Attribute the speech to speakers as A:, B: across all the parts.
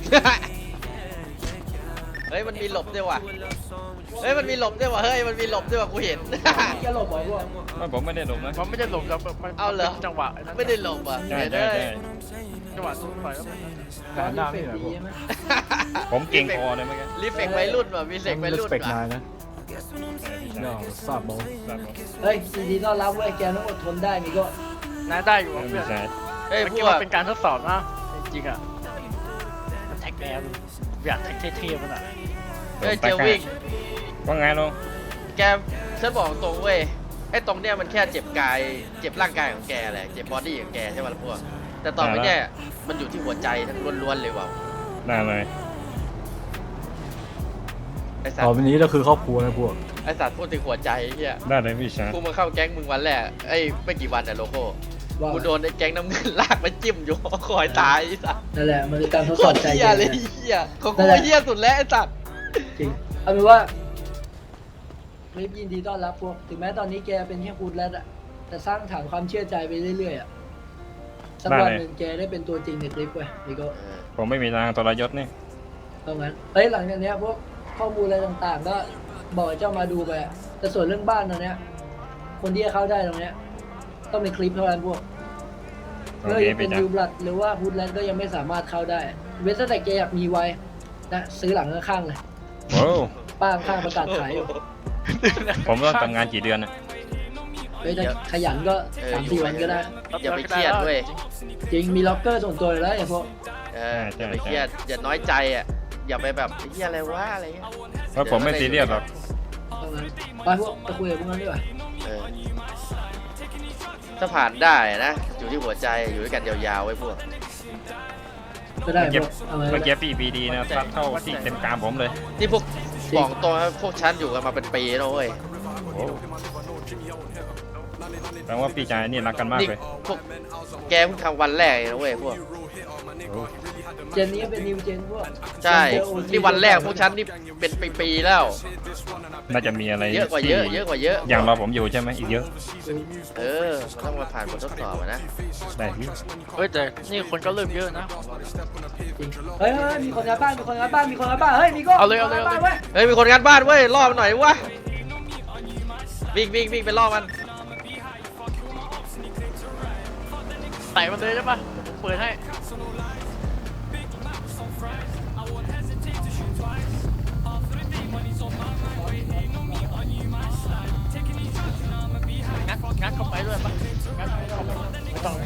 A: เฮ้ยมันมีหลบด้วยว่ะเฮ้ยมันมีหลบด้วยว่ะเฮ้ยมันมีหลบด้วยว่ะกูเห็น
B: จะหลบเหรอพวก
C: ผมไม่ได้หลบนะ
D: มันไม่ได้หลบแล้วมัน
A: เอาเหรอ
D: จังหวะ
A: ไม่ได้หลบอ่ะ
C: ใช่
A: เดี๋ยว
C: ใช่
A: ได้
C: ใช่
D: จังหวะสู้ไฟแล้วมัน
B: แต่หน้าไม่เหรอพวก
C: ผมเก่งคอเลยเมื่อกี้
A: รีเฟกวัยรุ่นว่ะมีเฟกวัยรุ่น
B: สเปก
A: ว่ะ
B: นายนะย่อทราบบอก
E: เฮ้ยยินดีต้อนรับเว้ยแกต้องอดทนได้มีก็
D: น่าได้อยู่
C: ไม่
D: เพื่อน
C: ใช่
A: เฮ้ย
D: เมื่อ
A: พ
D: กี้
A: ว
D: มั
A: ก
D: นเป็นการทดสอบนะจริงๆอ่ะมันแท็กแนวอยากแท็กเท่ๆมันอ่ะ
A: เฮ้ยเจอวิ่ง
C: ว่าไงลุง
A: แกฉันบอกตรงเว้ยไอ้ตรงเนี้ยมันแค่เจ็บกายเจ็บร่างกายของแกแหละเจ็บบอดี้ของแกใช่ไหมล่ะพวกแต่ต่อไปเนี่ยมันอยู่ที่หัวใจทั้งล้วนๆเลยว่ะ
C: ได้เลย
A: ไอ้สัต
B: ต่อ
A: ว์
B: ไปนี้เราคือครอบครัวนะพวก
A: ไอ้สัตว์พูดถึงหัวใจเฮีย
C: ได้เลยพี่ชาย
A: กูมาเข้าแก๊งมึงวันแรกไอ้ไม่กี่วันแต่โลโก้
E: ว่า
A: กูโดนไอ้แก๊งน้ำเงินลากมาจิ้มอยู่คอยตายไอ้สัตว์
E: นั่นแหละมันคือการทด
A: โค
E: สอบ
A: ตร
E: ใจ
A: เฮีย
E: แก
A: เลย
E: นะ
A: เฮียของกูเฮียสุดแล้วไอ้สัตว์
E: จริงเอาเป็นว่ารีบยินดีต้อนรับพวกถึงแม้ตอนนี้แกเป็นแค่พูดแล้วอะแต่สร้างฐานความเชื่อใจไปเรื่อยๆอะสักวันหนึ่งแกได้เป็นตัวจริงในคลิปเว้ยมีก็
C: ผมไม่มีทางทรยศนี่
E: ตรงนั้นเฮ้ยหลังจากเนี้ยพวกข้อมูลอะไรต่างๆ ก็บอกให้เจ้ามาดูไปอะแต่ส่วนเรื่องบ้านตรงเนี้ยคนที่จะเข้าได้ตรงเนี้ยต้องเป็นคลิปเท่านั้นพวก
C: โอ
E: เพื่อ
C: เค
E: จะเป็
C: พี่
E: น
C: จ๊ะ
E: ยูบลัดหรือว่าฮูดแลนด์ก็ยังไม่สามารถเข้าได้ เว้นแต่แกอยากมีไว้นะซื้อหลังข้างๆเลย
C: โอ้
E: ป้าข้างๆประกาศขายอยู่
C: ผมต้องทำงานกี่เดือนนะ
E: เฮ้ยถ้าขยันก็3-4 วันก็ได้
A: อย่าไปเครียดเว้ย
E: จริงมีล็อกเกอร์ส่วนตัวเลยแล้วไอ้พวก
A: อย่าไปเครียดอย่าน้อยใจอ่ะอย่าไปแบบไอ้เฮียอะไรวะอะไรเงี้ย
C: เพราะผมไม่ซีเรียสหรอก
E: ตรงนั้นไปพวกไปคุยกับพวกนั้นดีกว่า
A: เออถ้าผ่านได้นะอยู่ที่หัวใจอยู่ด้วยกันยาวๆไว้พวก
E: ก็ได้พวกเอาไว้
C: เมื่อกี้พี่บีดีนะซัดเข้าที่เต็มกรามผมเลย
A: นี่พวกบอกตรงนะพวกฉันอยู่กันมาเป็นปีแล้วเว้ย
C: โอ้แปลว่าพี่ชายนี่รักกันมาก
A: นี่
C: เลย
A: พวกแกเพิ่งทำวันแรกเองนะเว้ยพวก
C: โอ้
E: เจนนี้เป็นนิวเจนพวก
A: ใช่นี่วันแรกพวกฉันนี่เป็นปีๆแล้ว
C: น่าจะมีอะไร
A: เยอะกว่าเยอะเยอะกว่าเยอะ
C: อย่างรอผมอยู่ใช่ไหมอีกเยอะ
A: เออมันต้องมาผ่านบททดสอบอะนะ
C: ได้พี่
D: เฮ้ยแต่นี่คนก็เริ่มเยอะนะ
E: จริงเฮ้ยมีคนงานบ้านมีคนงานบ้านมีคนงานบ้านเฮ้ยมีก็
D: เอาเลยเอาเลย
E: มีคนงนบ้นว้
A: เฮ้ยมีคนงานบ้านเว้ยล่อมันหน่อยวะวิ่งไปล่อมัน
D: ไต่มันเลยได้ปะผมเปิดให้งัดเข้าไปด้วยปะงัดเข้าไปไม่ต้องเลย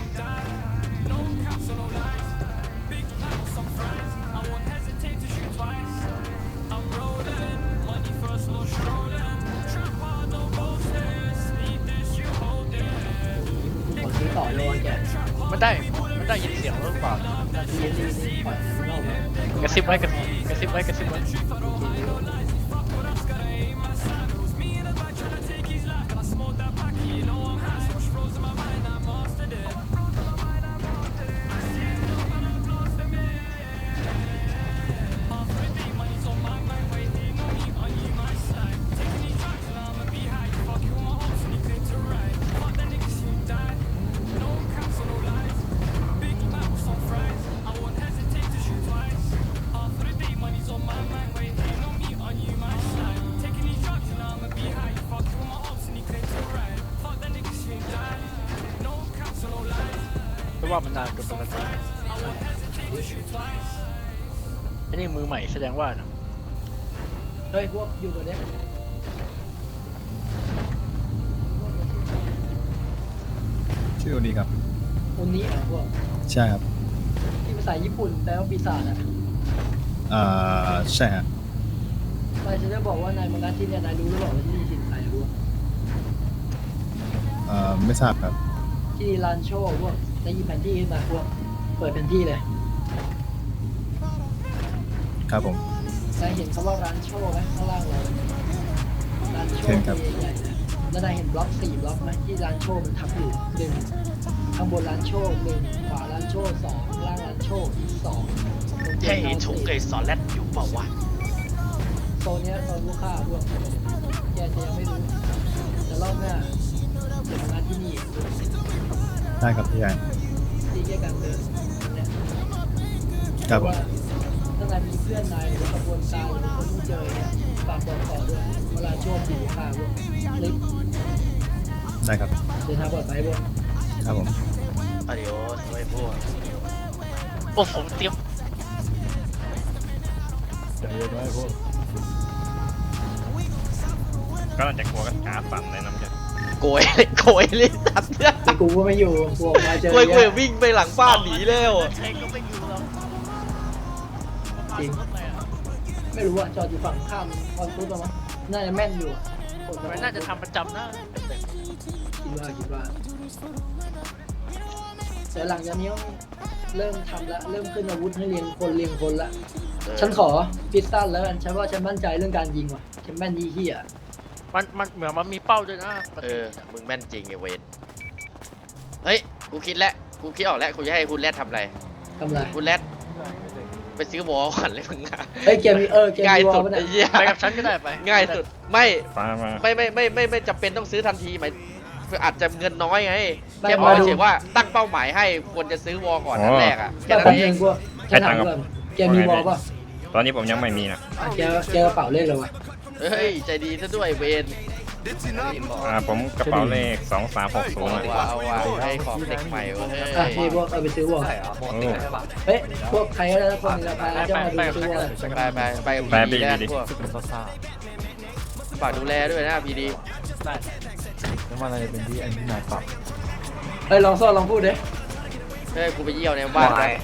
E: ขอซื้อต่อเลยแก
D: มันได้ยินเสียงหรือเปล่า
E: นี่ปล่อยมันออกมาก
D: ระซิบไว้กระซิบไว้กระซิบไว้เพราะว่ามันนานเกินปกติอันนี้มือใหม่แสดงว่านะ
E: เฮ้ยพวกอยู่ตัวเนี้ย
F: ชื่อโอดีครับ
E: คนนี้เหรอพวก
F: ใช่ครับ
E: ที่ภาษาญี่ปุ่นแปลว่าปีศาจอะ
F: ใช่ฮะ
E: นายจะได้บอกว่านายมังงะที่เนี่ยนายรู้หรือเปล่าว่าที่นี่ถิ่นใครพวก
F: ไม่ทราบครับ
E: ที่นี่ลานโชว์พวกได้ยินแผนที่ขึ้นมาพวกเปิดแผนที่เลย
F: ครับผม
E: นายเห็นคำว่าร้านโชว์ไหมข้างล่างเราร้านโช
F: เห็น
E: ว์
F: ครับ
E: ใหญ่ๆนะแล้วนายเห็นบล็อก4บล็อกไหมที่ร้านโชว์มันทับอยู่1ข้างบนร้านโชว์1ขวาร้านโชว์2ข้างล่างร้านโชว์อีก2
A: เฮ้ยถุงเกสรแรดอยู่เปล่าวะ
E: โซนเนี้ยโซนลูกค้าพวกแกจะยังไม่รู้แต่รอบหน้าเดี๋ยวมางานที่นี่
F: ได้ครับพี่ใหญ่
E: ที่แยกกันเดินเนี่ย
F: ครับผม
E: ว่ามีเพื่อนนายหรือกระบวนการหรือคนที่เจอเนี่ยฝากบอกต่อด้วยเวลาช่วงสี่ข่าวพวกคลิป
F: ได้ครับ
E: เดินทางปลอดภัยพวก
F: ครับผม
A: อาดิโอสไว้พวก
D: โอ้ผมเตรียม
B: ใจเย็นไว้พวก
C: ก็น่าจะกลัวกันขาสั่นเลยน้ำใจ
A: โกยโกยเลยสัตว์เนี่ย
E: แต่กูก็ไม่อยู่กูออกมาเจอ
A: โกย
E: เนี่ย
A: วิ่งไปหลังบ้านหนีแล้ว
D: ใช้ก็ไม่อยู่แล้ว
E: จริง ไม่รู้อะจอดอยู่ฝั่งข้ามคอนฟุตมั้งน่าจะแม่นอยู่อะกด
D: มันน่าจะทำประจำนะ
E: คิดว่าแต่หลังจากนี้เริ่มทำละเริ่มขึ้นอาวุธให้เรียงคนละฉันขอพิซซ่าแล้วกันฉันว่าฉันมั่นใจเรื่องการยิงว่ะฉันแม่นยี่เหี้ย
D: มันเหมือนมันมีเป้าด้วยนะ
A: มึงแม่นจริงไอ้เวนเฮ้ยกูคิดแล้วกูคิดออกแล้วกูจะให้คุณแรดทำอะไร
E: ทำไร
A: คุณแรดไปซื้อวอลก่อนเลยมึงอะ
E: เฮ้ยเกมเกม
A: ง่าย
E: มีวอ
A: สุ
E: ล
A: ด
E: ปะ
A: ไอ้
E: เนี่ย
A: เหี้ย
D: ไปกับฉันก็ได้ไป
A: ง่ายสุดไม่
C: ฟ้ามา
A: ไม่จำเป็นต้องซื้อทันทีหมายอาจจะเงินน้อยไง
E: ไม่
A: แค่บอก
E: มาดู
A: เฉยๆว่าตั้งเป้าหมายให้ควรจะซื้อวอลก่อน
C: อ๋อ
A: นัดแรกอ่ะแค่
E: แต่
A: นั้น
E: ผม
A: เอ
E: เอง งกูฉันถามก่อนเกมมีวอลป่ะ
C: ตอนนี้ผมยังไม่มีนะ
E: แกกระเป๋าเลขเลยวะ
A: เฮ้ยใจดีซะด้วยเวน
C: ผมกระเป๋าเลข2360
A: เอา
C: อ่ะ
A: ว่ะเอาว่ะให้ของเด็กใหม่เว้ย
E: อ่ะนี่พวกเอาไปซื้อวอล
C: โอ้
E: เฮ้ยพวกใครก็ได้คนในราคาจะมาดูซื้อวอล
A: ไปพีดีแล้วพวก
B: รู้สึกเป็นซ่า
A: ฝากดูแลด้วยนะพีดี
D: ได้
B: ๆแล้วมันอะไรเป็นที่อันที่นายปรับ
E: เฮ้ยลองโซ่ลองพูดดิ
A: เฮ้ยกูไปเยี่ยวในบ้านไป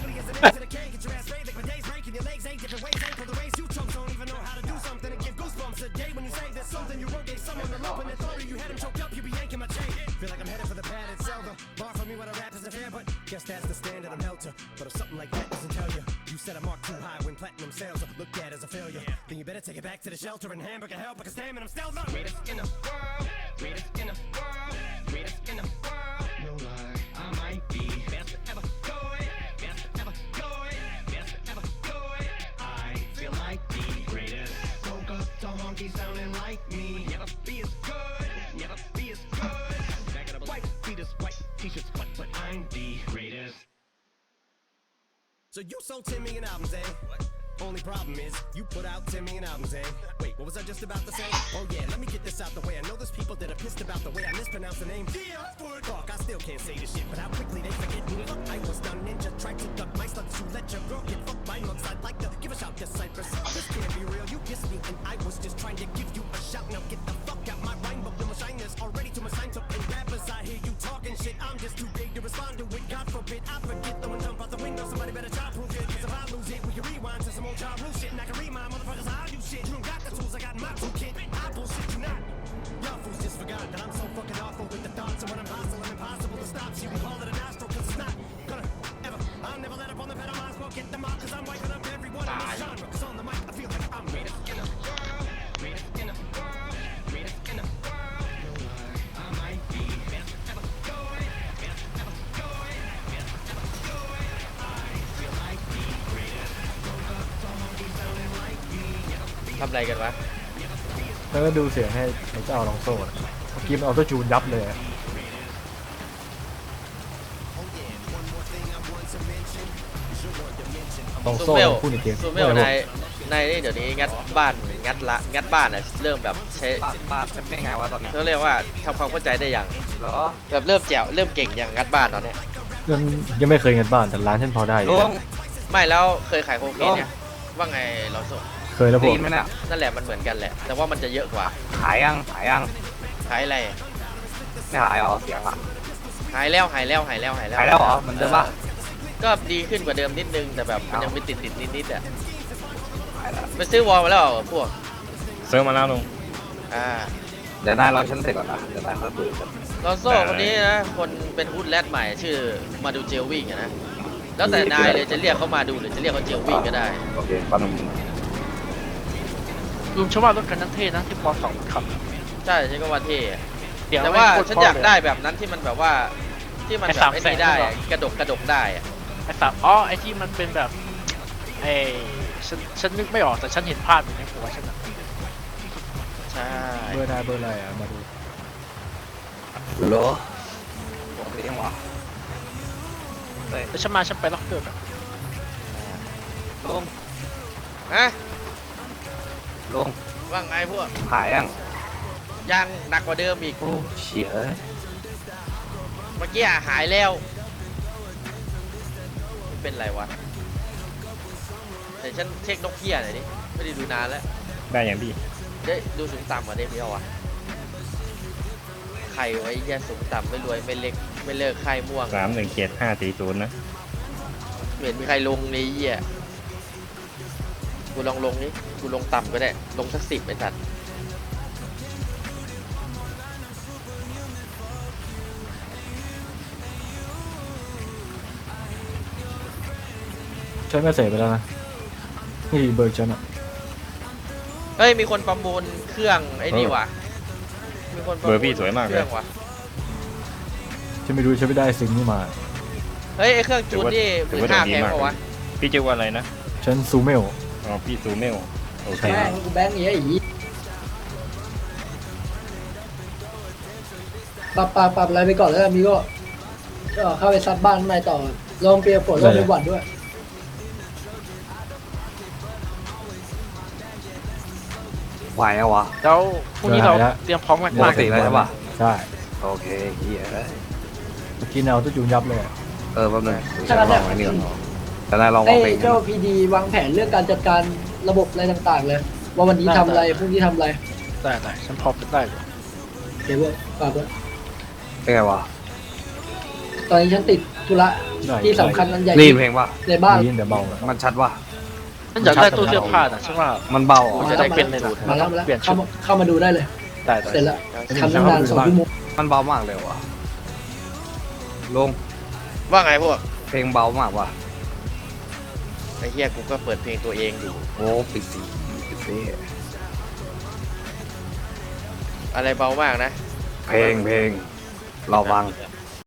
G: Guess that's the standard I'm held to. But if something like that doesn't tell you, you set a mark too high when platinum sales are looked at as a failure. Then you better take it back to the shelter and hamburger help because damn it, I'm still the greatest in the world. Greatest in the world. Greatest in the world. No lie, I might be best ever going. Best ever going. Best ever going. I feel like the greatest. Woke up to honky sounding like me. Never be as good. Never be as good. Back it up, white fetus, white t-shirts, but I'm the greatest. So you sold 10 million albums, eh? Only problem is, you put out 10 million albums, eh? Wait, what was I just about to say? Oh yeah, let me get this out the way. I know there's people that are pissed about the way I mispronounce the name. Fuck, I still can't say this shit, but how quickly they forget me. Look, I was done ninja, tried to duck my slugs to let your girl get fucked by mugs. I'd like to give a shout to Cypress. This can't be real, you kissed me, and I was just trying to give you a shout. Now get the fuck out my rhyme book, my shyness already to my sign up. And rappers, I hear you talking shit, I'm just too big to respond to it. God forbid, I forget throwing jump out the window. Somebody better try proof it, cause if I lose it, we can rewind to some old job rule shit. And I can remind motherfuckers how I do shit. You don't got the tools I got in my toolkit. I bullshit you not. Y'all fools just forgot that I'm so fucking awful with the thoughts. And when I'm hostile, I'm impossible to stop. So you can call it a nostril, cause it's not gonna ever. I'll never let up on the pedal, might as well get them out. Cause I'm wiping up everyone in this genre. Cause on the mic, I feel like I'm greatest in the world. Greatest in the world. Greatest in the world. No lie, I might be best ever going. Best ever going. Best ever going. I feel like the greatest. Woke up to honky sounding like me. Never be
A: ทำอะไรกันวะ
B: แล้วก็ดูเสียงให้เจ้าลองโซ่อะเมื่อกี้มันเอาตัวจูนยับเลยอะลอง
A: ซู
B: โซ่
A: เมล
B: พูดในเกม
A: ซูเมลในนี่เดี๋ยวนี้งัดบ้านงัดบ้านอ่ะเริ่มแบบใช้
H: บ้านเป็นไงวะตอนเนี้ย
A: เขาเรียกว่าทำความเข้าใจได้อย่าง
H: เหรอ
A: แบบเริ่มแจ๋วเริ่มเก่งอย่างงัดบ้านตอนเนี้ย
B: ยังไม่เคยเงินบ้านแต่ร้านฉันพอได้อยู่
H: ลุง
A: ไม่แล้วเคยขายโคเคนเนี่ยว่าไงเราส่ง
B: เคยแล้วพ
H: ได้
B: วก
H: ยินไหมเนี่ย
A: นั่นแหละมันเหมือนกันแหละ แต่ว่ามันจะเยอะกว่า
H: ขายยัง
A: ขายอะไร
H: ไม่ขายเหรอเสียงอ่ะ
A: หายแล้ว
H: ขายแล้วเหรอเหมือนเดิมปะ
A: ก็ดีขึ้นกว่าเดิมนิดนึงแต่แบบมันยังมีติดนิดๆอ่ะ
H: ขายแล้ว
A: ไปซื้อวอลมาแล้วเหรอพวก
C: ซื้อมาแล้วลุง
A: อ่า
H: เดี๋ยวนายรอฉันเสร็จก่อนนะเดี๋ยวนายค่อยคุยกัน
A: ลอนโซ่คนนี้นะคนเป็นฮูดแรดใหม่ชื่อมาดูเจลวิ่งอะนะแล้วแต่นายเลยจะเรียกเขามาดูหรือจะเรียกเขาเจลวิ่งก็ได้
H: โอเคปั๊มนึง
D: ลุงชอบว่ารถคันนั้นเท่นะที่ปอสองขับ
A: ใช่ฉันก็ว่าเท่อะ
D: เดี๋ยว
A: แต่ว่า
D: ไม่โคตร
A: ฉันอยาก
D: เพราะเลย
A: ได้แบบนั้นที่มันแบบว่าที่มันแบบไอ้นี่ได้อะกระดกได้อะ
D: ไอ้สับไอ้ที่มันเป็นแบบไอ้ฉันนึกไม่ออกแต่ฉันเห็นภาพอยู่ในหัวฉันอะ
A: ใช่
B: เบอร์นายเบอร์อะไรอ่ะมาดู
H: เหรอบอกไปยังวะเฮ้ย
D: แต่ฉันไปล็อกเกอร์แบบ
H: ลุง
A: ฮะ
H: ลง
A: ว่าไงพวก
H: หายยัง
A: ยังหนักกว่าเดิมอีก
H: โอ้เฉีย
A: เมื่อกี้หายแล้วเป็นไรวะเดี๋ยวฉันเช็คนกเหี้ยหน่อยดิไม่ได้ดูนานแล้ว
C: ได้อย่างพี่
A: เดี๋ยวดูสูงต่ำกว่าเดิมเดียววะไข่ไว้แย่สูงต่ำไม่รวยไม่เล็กไม่เลิกไข่ม่วง
C: 317540นะ
A: ไม่เห็นมีใครลงในเหี้ยกูลองลงนี่กูลงต่ำก็ได้ลงสัก10ไอ้สัตว์
B: ฉันก็เสร็จไปแล้วนะนี่เบอร์ฉันอะ
A: เฮ้ยมีคนประมูลเครื่องไอ้นี่ว่ะมีคนประ
C: เบ
A: มู
C: อ
A: ล
C: ร์พี่สวยมาก
A: เค
C: เล
A: รื่
C: ย
A: องว่ะ
B: ฉันไม่รู้ฉันไม่ได้ซิงนี่มา
A: เฮ้ยไอ้เครื่องจูนนี่
C: ถื
A: มื
C: อ
A: อ
C: ว่า
A: ห้า
C: ดี
A: แพง
C: มาก
A: ปะวะ
C: พี่ชื่อว่าอะไรนะ
B: ฉันซูเมล
C: อ๋อพี่ซูเมลโอเค
E: แม่งกูแบงค์อย่างเงี้ยอีปรับอะไรไปก่อนแล้วกันมีก็เข้าไปซัดบ้านใหม่ต่อลองเปียกฝนลองไปหวัดด้วย
H: ไหวอะวะ
D: แล้วพรุ่งนี้เราเตรียมพร้อมกัน
H: ปกติแล้วใช่ปะ
B: ใช่
H: โอเคเฮีย
B: เมื่อกี้เอาตัวจูนยับเลยอะ
H: แป๊บนึงฉันลองไอ้นี่ก่อนแต่นายลองวา
E: ไอ้
H: งเพลง
E: เจ้าพีดีวางแผนเรื่องการจัดการระบบอะไรต่างๆเลย ว่าวันนี้ทำอะไรพรุ่งนี้ทำอะไร
D: ได้ฉันพร้อมได้อยู่
E: เดี๋ยวว่าฝากไว้
H: เป็นไงวะ
E: ตอนนี้ฉันติดธุระ
B: ได้
E: ที่สำคัญอันใหญ่
H: รีบเพลงปะ
E: ในบ้าน
B: ยินแต่เบาอะ
H: มันชัดวะ
D: ฉันอยากได้ตู้เสื้อผ้าน่ะฉันว่า
H: มันเบา
D: ผม
H: อ่ะ
D: จะได้เป็นเลยนะ
E: มาแล้ว
D: เปลี่ยนชุด
E: เข้ามาดูได้เลย
D: ได้
E: เสร็จแล้วทำตั้งนาน2 ชั่วโมง
H: มันเบามากเลยวะลง
A: ว่าไงพวก
H: เพลงเบามากวะ
A: ไอ้เหี้ยกูก็เปิดเพลงตัวเองอยู่
H: โอ้ปิดสีปิดสี
A: อะไรเบามากนะ
H: เพลงเราฟัง